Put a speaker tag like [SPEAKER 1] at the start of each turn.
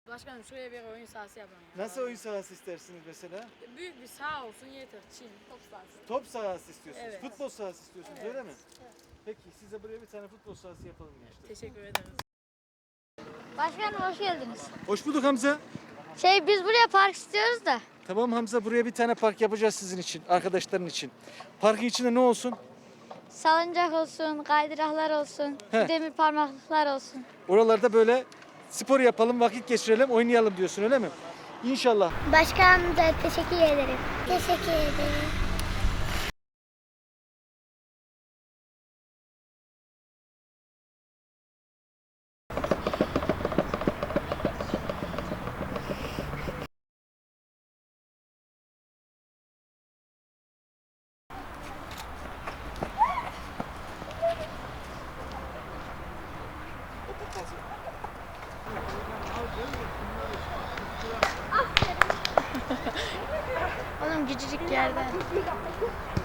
[SPEAKER 1] Başkanım şuraya bir oyun sahası yapalım ya.
[SPEAKER 2] Nasıl oyun sahası istersiniz mesela?
[SPEAKER 1] Büyük bir saha olsun yeter. Çin, top sahası.
[SPEAKER 2] Top sahası istiyorsunuz.
[SPEAKER 1] Evet.
[SPEAKER 2] Futbol sahası istiyorsunuz
[SPEAKER 1] Evet.
[SPEAKER 2] öyle mi?
[SPEAKER 1] Evet.
[SPEAKER 2] Peki size buraya bir tane futbol sahası yapalım gençler.
[SPEAKER 1] Teşekkür ederiz.
[SPEAKER 3] Başkanım hoş geldiniz.
[SPEAKER 2] Hoş bulduk Hamza.
[SPEAKER 3] Biz buraya park istiyoruz da.
[SPEAKER 2] Tamam Hamza, buraya bir tane park yapacağız sizin için, arkadaşların için. Parkın içinde ne olsun?
[SPEAKER 3] Salıncak olsun, kaydıraklar olsun,
[SPEAKER 2] He.
[SPEAKER 3] demir parmaklıklar olsun.
[SPEAKER 2] Oralarda böyle spor yapalım, vakit geçirelim, oynayalım diyorsun öyle mi? İnşallah.
[SPEAKER 3] Başkanım da teşekkür ederim. Teşekkür ederim. Oğlum küçücük yerden.